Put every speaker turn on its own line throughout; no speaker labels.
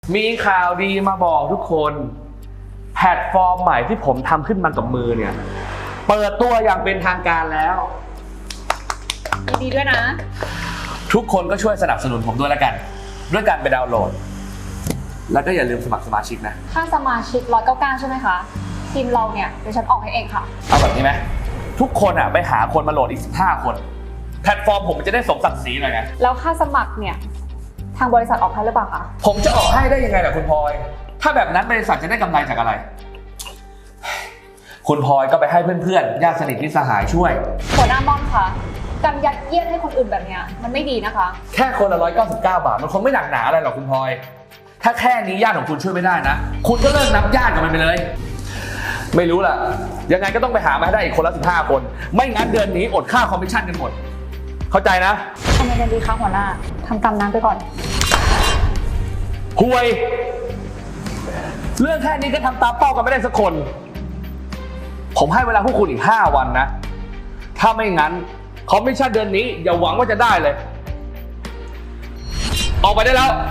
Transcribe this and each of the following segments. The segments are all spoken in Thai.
มีข่าวดีมาบอกทุกคนแพลตฟอร์มใหม่ที่ผมทำขึ้นมากับมือเนี่ยเปิดตัวอย่างเป็นทางการแล้ว
ยินดีด้วยนะ
ทุกคนก็ช่วยสนับสนุนผมด้วยแล้วกันด้วยการไปดาวน์โหลดแล้วก็อย่าลืมสมัครสมาชิกนะ
ค่าสมาชิก199ใช่ไหมคะทีมเราเนี่ยเดี๋ยวฉันออกให้เองค่ะ
เอาแบบนี้ไหมทุกคนไปหาคนมาโหลดอีก15คนแพลตฟอร์มผมมันจะได้สมศักดิ์ศรีหน่อยไง
แล้วค่าสมัครเนี่ยทางบริษัทออกให้หรือเปล่าคะ
ผมจะออกให้ได้ยังไงล่ะคุณพลอยถ้าแบบนั้นบริษัทจะได้กำไรจากอะไรคุณพลอยก็ไปให้เพื่อนๆญาติสนิทมิตรสหายช่วย
หัวหน้าม่อนคะการยัดเยียดให้คนอื่นแบบเนี้ยมันไม่ดีนะคะ
แค่คนละ199 บาทมันคงไม่หนักหนาอะไรหรอกคุณพลอยถ้าแค่นี้ญาติของคุณช่วยไม่ได้นะคุณก็เลิกนับญาติกับมันไปเลยไม่รู้ล่ะยังไงก็ต้องไปหามาให้ได้อีกคนละ15คนไม่งั้นเดือนนี้อดค่าคอมมิชชั่นกันหมดเข้าใจนะ
ทำไงกันดีคะหัวหน้าทำตามนั้นไปก่อน
ห่วยเรื่องแค่นี้ก็ทำตามเป้ากันไม่ได้สักคนผมให้เวลาพวกคุณอีก5 วันนะถ้าไม่งั้นคอมมิชชั่นเดือนนี้อย่าหวังว่าจะได้เลยออกไปได้แล้ว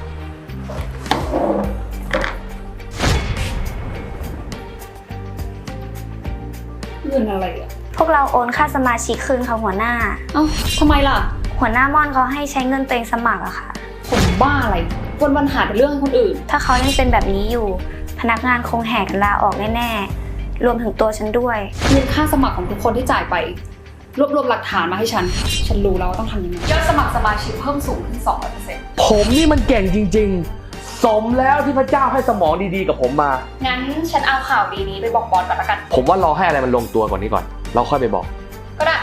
เงินอะไรอ่ะ
พวกเราโอนค่าสมาชิกคืนค่ะหัวหน้า
เอ้าทำไมล่ะ
หัวหน้าม่อนเขาให้ใช้เงินตัวเองสมัครอะค่ะ
คนบ้าอะไรวันๆหาแต่เรื่องให้คนอื่น
ถ้าเขายังเป็นแบบนี้อยู่พนักงานคงแหกลาออกแน่ๆรวมถึงตัวฉันด้วย
เงินค่าสมัครของทุกคนที่จ่ายไปรวบรวมหลักฐานมาให้ฉันรู้แล้วว่าต้องทำยังไงยอดสมัครสมาชิกเพิ่มสูงขึ้น 200%
ผมนี่มันเก่งจริงๆสมแล้วที่พระเจ้าให้สมองดีๆกับผมมา
งั้นฉันเอาข่าวดีนี้ไปบอกบอสก่อนละกัน
ผมว่ารอให้อะไรมันลงตัวก่อนนี้ก่อนเราค่อยไปบอก
ก็ได้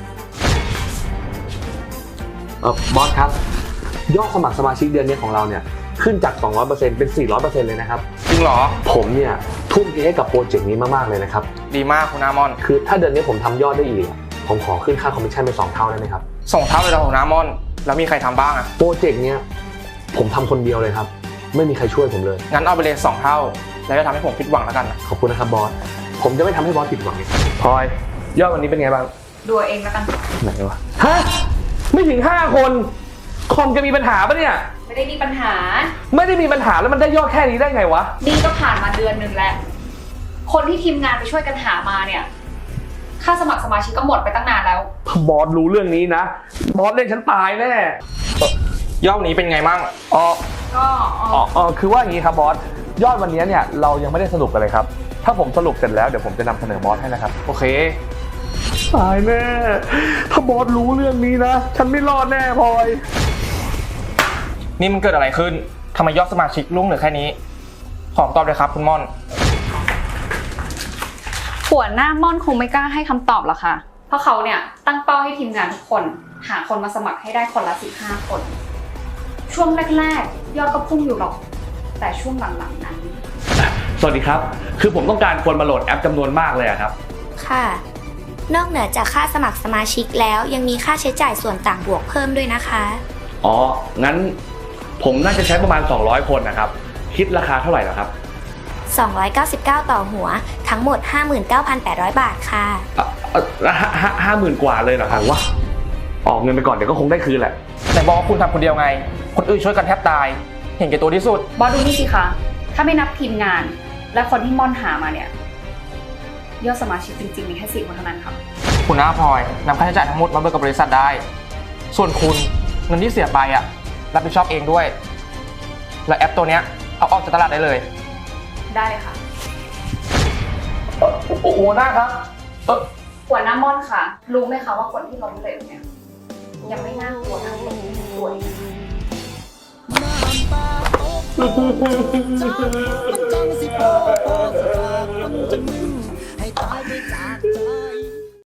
บอสครับยอดสมัครสมาชิกเดือนนี้ของเราเนี่ยขึ้นจาก 200% เป็น 400% เลยนะครับ
จริงเหรอ
ผมเนี่ยทุ่มเทให้กับโปรเจกต์นี้มากๆเลยนะครับ
ดีมากคุณน้ามอน
คือถ้าเดือนนี้ผมทำยอดได้อีกผมขอขึ้นค่าคอมมิชชั่นเป็น2 เท่าได้ไหมครับ
2 เท่าเลยเหรอคุณน้ามอนแล้วมีใครทำบ้างอะ
โปรเจกต์เนี้ยผมทำคนเดียวเลยครับไม่มีใครช่วยผมเลย
งั้นเอาไปเลย2 เท่าแล้วจะทำให้ผมผิดหวังแล้วกันนะ
ขอบคุณนะครับบอสผมจะไม่ทำให้บอสผิดหวังพลอยยอดวันนี้เป็นไงบ้าง
ดูเองแล้วกัน
ไหนวะฮะไม่ถึง5 คนคอมจะมีปัญหาปะเนี่ย
ไม่ได้มีปัญหา
ไม่ได้มีปัญหาแล้วมันได้ยอดแค่นี้ได้ไงวะ
นี่ก็ผ่านมาเดือนหนึ่งแล้วคนที่ทีมงานไปช่วยกันหามาเนี่ยค่าสมัครสมาชิกก็หมดไปตั้งนานแล้ว
บอสรู้เรื่องนี้นะบอสเล่นฉันตายแน่
ยอดนี้เป็นไงมั่ง
คือว่าอย่างนี้ครับบอสยอดวันนี้เนี่ยเรายังไม่ได้สรุปกันเลยครับถ้าผมสรุปเสร็จแล้วเดี๋ยวผมจะนำเสนอบอสให้นะครับ
โอเค
ตายแน่ถ้าบอสรู้เรื่องนี้นะฉันไม่รอดแน่พลอย
นี่มันเกิดอะไรขึ้นทำไมยอดสมาชิกลุ่งเหลือแค่นี้ขอตอบเลยครับคุณม่อน
หัวหน้าม่อนคงไม่กล้าให้คำตอบหรอกค่ะเพราะเขาเนี่ยตั้งเป้าให้ทีมงานทุกคนหาคนมาสมัครให้ได้คนละ15 คนช่วงแรกๆยอดก็พุ่งอยู่หรอกแต่ช่วงหลังๆนั้น
สวัสดีครับคือผมต้องการคนมาโหลดแอปจำนวนมากเลยครับ
ค่ะนอกเหนือจากค่าสมัครสมาชิกแล้วยังมีค่าใช้จ่ายส่วนต่างบวกเพิ่มด้วยนะคะ
งั้นผมน่าจะใช้ประมาณ200 คนนะครับคิดราคาเท่าไหร่ล่ะครับ
299ต่อหัวทั้งหมด 59,800 บาทค่ะ
50,000 กว่าเลยเหรอครับวะออกเงินไปก่อนเดี๋ยวก็คงได้คืนแหละ
แต่บอกว่าคุณทำคนเดียวไงคนอื่นช่วยกันแทบตายเห็นแก่ตัวที่สุด
บอสดูนี่สิคะถ้าไม่นับทีมงานและคนที่ม่อนหามาเนี่ยยอดสมาชิกจริงๆมีแค่4 คนเท่านั้นครับ
คุณน้าพลอยนำค่าใช้จ่ายทั้งหมดมาเบิกกับบริษัทได้ส่วนคุณเงินที่เสียไปรับผิดชอบเองด้วยและแอปตัวนี้เอาออกจากตลาดได้เลย
ได้เลยค่ะ
หัวหน้าครับ
หัวหน้าม่อนค่ะรู้ไหมคะว่าคนที่ล้มเหลวเนี่ยยังไม่น่ากลัวเท่าคนที่ป่วย
น้ำตาตก